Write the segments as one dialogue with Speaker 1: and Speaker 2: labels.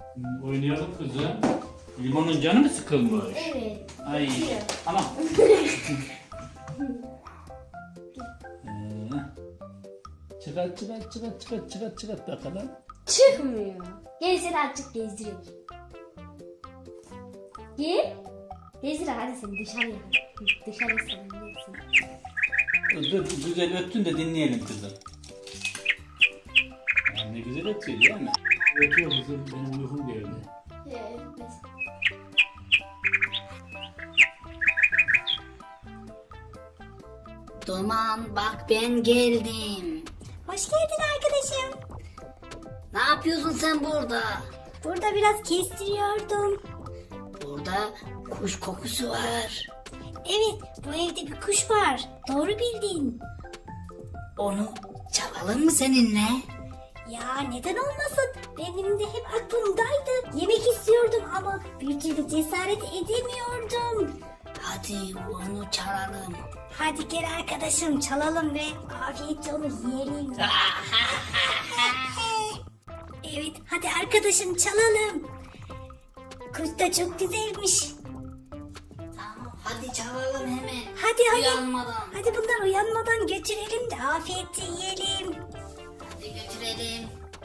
Speaker 1: Oynayalım kızım. Limonun canı mı sıkılmış?
Speaker 2: Evet.
Speaker 1: Ay. Tamam. Çıkart bakalım.
Speaker 2: Çıkmıyor. Gel seni azıcık gezdireyim. Gel. Gezdir hadi seni dışarıya. Dışarı salınıyorsun.
Speaker 1: Dur, güzel öttün de dinleyelim kızım. Yani ne güzel ötüyor değil mi? Ötüyor kızım, benim uykum geldi.
Speaker 2: Evet.
Speaker 3: Duman bak ben geldim.
Speaker 4: Hoş geldin arkadaşım.
Speaker 3: Ne yapıyorsun sen burada?
Speaker 4: Burada biraz kestiriyordum.
Speaker 3: Burada kuş kokusu var.
Speaker 4: Evet, bu evde bir kuş var. Doğru bildin.
Speaker 3: Onu çalalım mı seninle?
Speaker 4: Ya neden olmasın? Benim de hep aklımdaydı. Yemek istiyordum ama bir türlü cesaret edemiyordum.
Speaker 3: Hadi onu çalalım.
Speaker 4: Hadi gel arkadaşım çalalım ve afiyetle onu yiyelim. Evet, hadi arkadaşım çalalım. Kuş da çok güzelmiş.
Speaker 3: Tamam hadi çalalım hemen.
Speaker 4: Hadi.
Speaker 3: Uyanmadan.
Speaker 4: Hadi bunlar uyanmadan götürelim de afiyetle yiyelim.
Speaker 3: Hadi götürelim.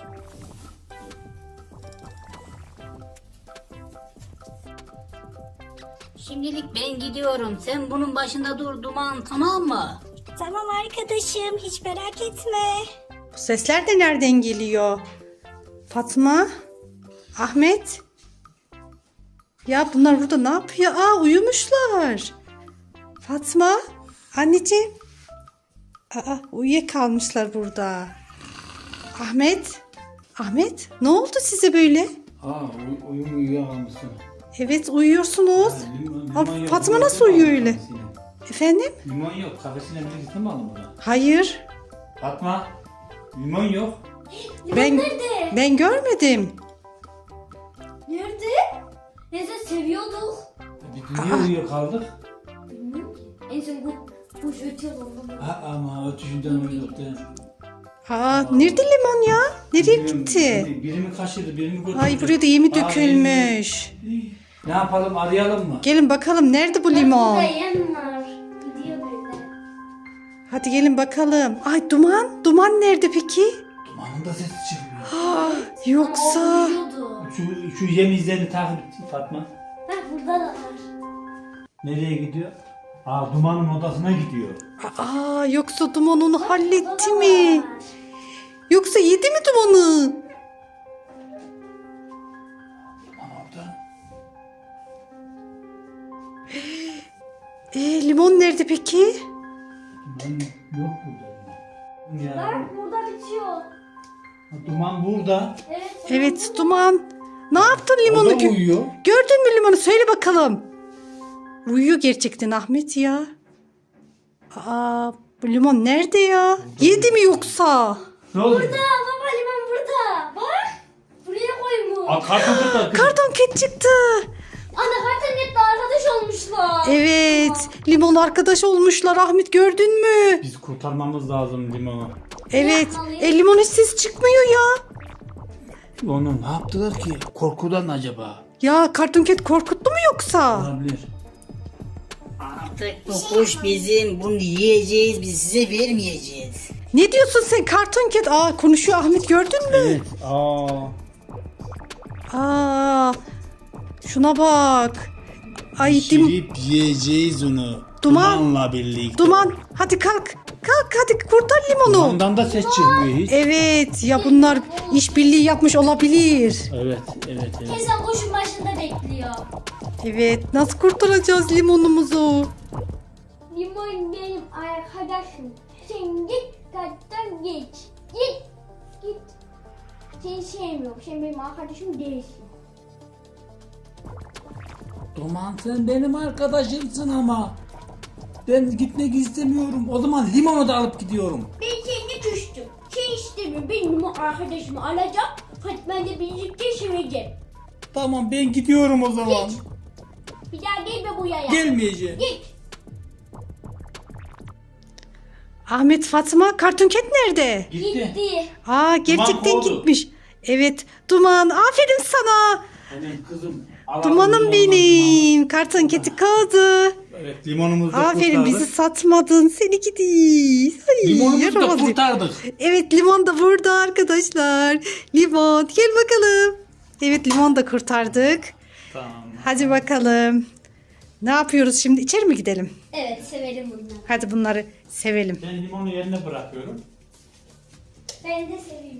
Speaker 3: Şimdilik ben gidiyorum. Sen bunun başında dur Duman, tamam mı?
Speaker 4: Tamam arkadaşım, hiç merak etme.
Speaker 5: Bu sesler de nereden geliyor? Fatma? Ahmet? Ya bunlar burada ne yapıyor? Aa, uyumuşlar. Fatma? Anneciğim? Aa, uyuyakalmışlar burada. Ahmet? Ahmet? Ne oldu size böyle?
Speaker 1: Uyuyakalmışsın.
Speaker 5: Evet, uyuyorsunuz. Aa,
Speaker 1: Limon yok.
Speaker 5: Fatma nasıl uyuyor öyle?
Speaker 1: Kafesine.
Speaker 5: Efendim?
Speaker 1: Limon yok. Kafesine birlikte mi aldın bunu?
Speaker 5: Hayır.
Speaker 1: Fatma. Limon yok.
Speaker 5: Ben
Speaker 2: Nerede?
Speaker 5: ben görmedim.
Speaker 2: Nerede? Neyse seviyorduk.
Speaker 1: Biz niye uyuyor kaldık?
Speaker 2: Bilmiyorum ki. En son bu kuş ötüyor ondan.
Speaker 1: Ha, ama ötüşünden uyuduk değil mi?
Speaker 5: Aa, nerede limon ya? Nereye
Speaker 1: Bilmiyorum,
Speaker 5: gitti?
Speaker 1: Biri mi kaçırdı, biri mi götürdü?
Speaker 5: Ay, buraya da yemi
Speaker 1: Aa,
Speaker 5: dökülmüş.
Speaker 1: Ne yapalım, arayalım mı?
Speaker 5: Gelin bakalım, nerede bu
Speaker 2: Burada
Speaker 5: limon?
Speaker 2: yem var. Gidiyor böyle.
Speaker 5: Hadi gelin bakalım. Ay, duman. Duman nerede peki?
Speaker 1: Dumanın da sesi çıkıyor.
Speaker 5: Aa, yoksa...
Speaker 2: Uyuyordu.
Speaker 1: Şu yem izlerini takip et Fatma.
Speaker 2: Bak burada da var.
Speaker 1: Nereye gidiyor? Aa, Duman'ın odasına gidiyor.
Speaker 5: Aa, yoksa duman onu halletti
Speaker 2: Burada da
Speaker 5: mi?
Speaker 2: var.
Speaker 5: Yoksa yedi mi dumanı?
Speaker 1: Duman orada.
Speaker 5: Limon nerede peki?
Speaker 1: Duman yok burada. Ya.
Speaker 2: Bak burada bitiyor.
Speaker 1: Duman burada.
Speaker 2: Evet.
Speaker 5: Evet, duman. Ne yaptın limonu?
Speaker 1: O da uyuyor.
Speaker 5: Gördün mü limonu? Söyle bakalım. Uyuyor gerçekten Ahmet ya. Aa, bu limon nerede ya? Yedi mi yoksa?
Speaker 1: Ne oldu?
Speaker 2: Burada baba limon burada. Bak. Buraya koymuş.
Speaker 1: Aa, karton burada.
Speaker 5: Karton ket çıktı.
Speaker 2: Ana kartonketle arkadaş olmuşlar.
Speaker 5: Evet, limon arkadaş olmuşlar Ahmet, gördün mü?
Speaker 1: Biz kurtarmamız lazım limonu.
Speaker 5: Evet,
Speaker 2: yapmalıyız?
Speaker 5: limon hiç ses çıkmıyor ya.
Speaker 1: Onu ne yaptılar ki? Korkudan acaba?
Speaker 5: Ya karton ket korkuttu mu yoksa?
Speaker 1: Olabilir.
Speaker 3: Artık bu kuş bizim. Bunu yiyeceğiz. Biz size vermeyeceğiz.
Speaker 5: Ne diyorsun sen karton ket? Aa, konuşuyor Ahmet, gördün mü?
Speaker 1: Evet.
Speaker 5: Aa, şuna bak. Ay
Speaker 1: Pişirip yiyeceğiz onu.
Speaker 5: Duman.
Speaker 1: Dumanla birlikte.
Speaker 5: duman, hadi kalk. Kalk hadi, kurtar limonu.
Speaker 1: Dumandan da ses çıkmıyor hiç.
Speaker 5: Evet ya, bunlar işbirliği yapmış olabilir.
Speaker 1: Evet.
Speaker 2: Teyzem kuşun başında bekliyor.
Speaker 5: Evet, nasıl kurtaracağız limonumuzu?
Speaker 2: Limon benim arkadaşım. Sen git kattan geç. Git. Seni sevmiyorum. Sen benim arkadaşım değilsin.
Speaker 1: Duman, sen benim arkadaşımsın ama. Ben gitmek istemiyorum. O zaman limonu da alıp gidiyorum.
Speaker 2: Ben seni küstüm. Sen istemiyorum. Benim arkadaşımı alacağım. Fatma'yla birlikte seveceğim.
Speaker 1: Tamam, ben gidiyorum o zaman.
Speaker 2: Git. Bir daha gelme bu yaya.
Speaker 1: Gelmeyeceğim.
Speaker 2: Git.
Speaker 5: Ahmet, Fatma, karton ket nerede?
Speaker 1: Gitti.
Speaker 2: Gitti.
Speaker 5: Aa, gerçekten
Speaker 1: kovdu.
Speaker 5: gitmiş. Evet Duman, aferin sana.
Speaker 1: Benim kızım. alalım
Speaker 5: Dumanım
Speaker 1: limondan
Speaker 5: benim. Karton keti kaldı.
Speaker 1: limondan. Evet limonumuzu da
Speaker 5: Aferin,
Speaker 1: kurtardık.
Speaker 5: bizi satmadın. Seni gidi. Ay,
Speaker 1: Limonumuzu da
Speaker 5: yaramaz.
Speaker 1: kurtardık.
Speaker 5: Evet, limon da burada arkadaşlar. Limon gel bakalım. Evet, limon da kurtardık.
Speaker 1: Tamam.
Speaker 5: Hadi bakalım. Ne yapıyoruz şimdi? İçeri mi gidelim?
Speaker 2: Evet severim bunları.
Speaker 5: Hadi bunları sevelim.
Speaker 1: Ben limonu yerine bırakıyorum.
Speaker 2: Ben de seveyim.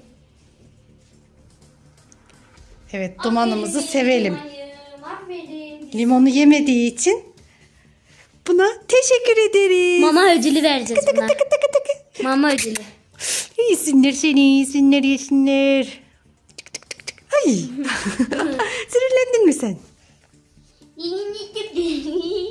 Speaker 5: Evet, dumanımızı
Speaker 2: Aferin,
Speaker 5: sevelim.
Speaker 2: Aferin.
Speaker 5: Limonu yemediği için buna teşekkür ederiz.
Speaker 2: Mama ödülü vereceğiz buna.
Speaker 5: Tıkı tıkı tıkı.
Speaker 2: Mama ödülü.
Speaker 5: Yesinler seni, yesinler, yesinler. Tık tık tık tık. Ay. Sinirlendin mi sen?